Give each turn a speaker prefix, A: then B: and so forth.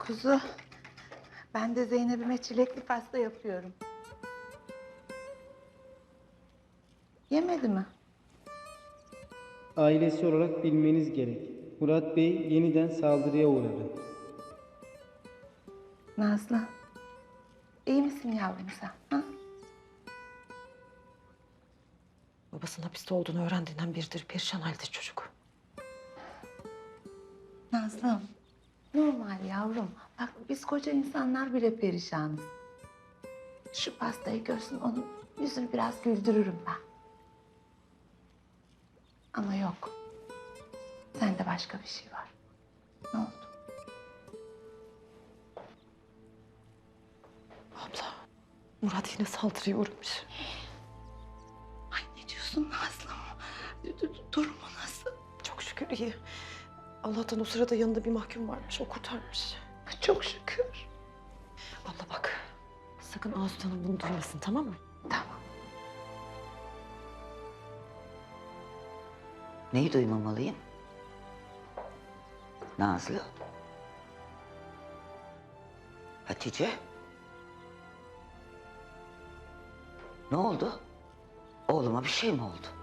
A: Kuzu, ben de Zeynep'ime çilekli pasta yapıyorum. Yemedi mi?
B: Ailesi olarak bilmeniz gerek. Murat Bey yeniden saldırıya uğradı.
A: Nazlı, iyi misin yavrum sen? Ha?
C: Babasının hapiste olduğunu öğrendiğinden beridir perişan halde çocuk.
A: Nazlım, normal yavrum. Bak biz koca insanlar bile perişanız. Şu pastayı görsün, onun yüzünü biraz güldürürüm ben. Ama yok. Sende başka bir şey var. Ne oldu?
C: Abla, Murat yine saldırıya uğramış.
A: Ay ne diyorsun Nazlım? Durumu nasıl?
C: Çok şükür iyi. Allah'tan o sırada yanında bir mahkum varmış, o kurtarmış.
A: Çok şükür.
C: Abla bak, sakın Asut Hanım bunu duymasın, tamam mı?
A: Tamam.
D: Neyi duymamalıyım? Nazlı. Hatice. Ne oldu? Oğluma bir şey mi oldu?